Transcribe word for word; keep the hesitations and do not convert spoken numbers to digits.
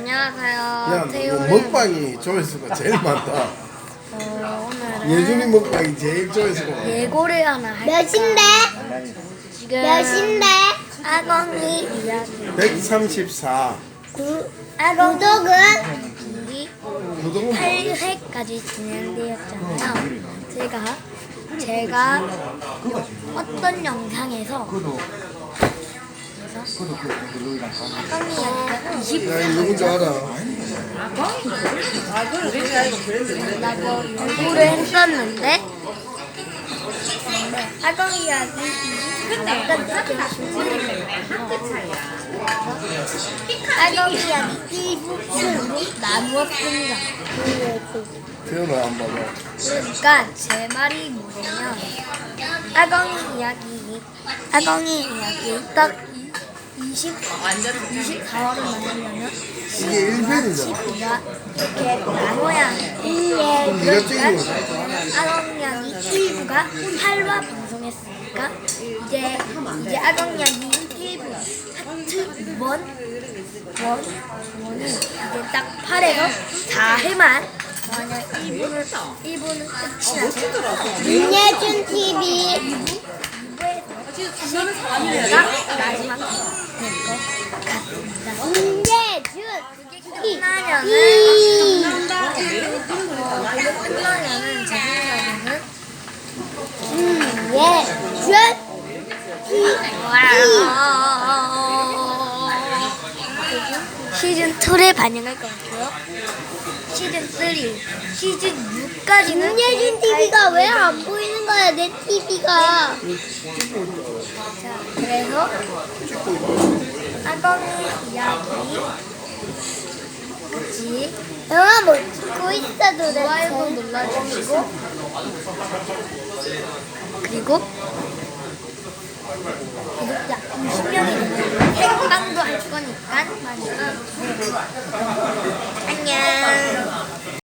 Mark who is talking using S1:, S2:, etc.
S1: 안녕하세요.
S2: 야, 너
S1: 태우는
S2: 먹방이 조회수가 제일 많다.
S1: 어, 오늘은
S2: 예준이 먹방이 제일 조회수가 많아.
S1: 예고를 하나 할까?
S3: 몇인데?
S1: 지금
S3: 몇인데?
S1: 아광이 이야기
S2: 백삼십사.
S3: 구,
S1: 아광
S3: 구독은?
S1: 이
S2: 구독은
S1: 팔 회까지 진행되었잖아요. 제가 제가 어떤 영상에서 아광이 이야기가 이십
S2: 야, 이 누군지 알아?
S1: 라고 요구를 했었는데 아광 이야기 아광 이야기 일부는 나누었습니다.
S2: 태연아, 안 봐봐.
S1: 그러니까 제 말이 뭐냐면 아광이 이야기 아광이 이야기 딱 이십, 이십사화를 만들려면
S2: 이게 일 편이잖아.
S1: 십이가 이렇게 나눠야 해.
S2: 그럼 네가 찍은 거지.
S1: 아광이야기 일부가 팔 화 방송했으니까 이제 이제 아광이야기 일부 하트 원, 원, 원이 이제 딱 팔에서 사 회만 만약 일 부는 일 부는 끝이 나서
S3: 윤예준 티비.
S1: 이부에서 마지막 될것 같습니다.
S3: 윤예준
S1: 끝나면은
S3: 티비.
S1: 어, 그게 끝나면은 제 생각에는
S3: 윤예준
S1: 시즌 이를 반영할 것 같고요. 시즌 삼, 시즌 육까지는
S3: 윤예준 티비가 왜 안 보이는 거야, 내 티비가?
S1: 자, 그래서 아광이 이야기 그치
S3: 영화 뭐 찍고 있어도
S1: 좋아요도
S3: 돼.
S1: 눌러주시고 그리고 구독자 이십 명이 되면 생방도 할 거니까 많이 안녕.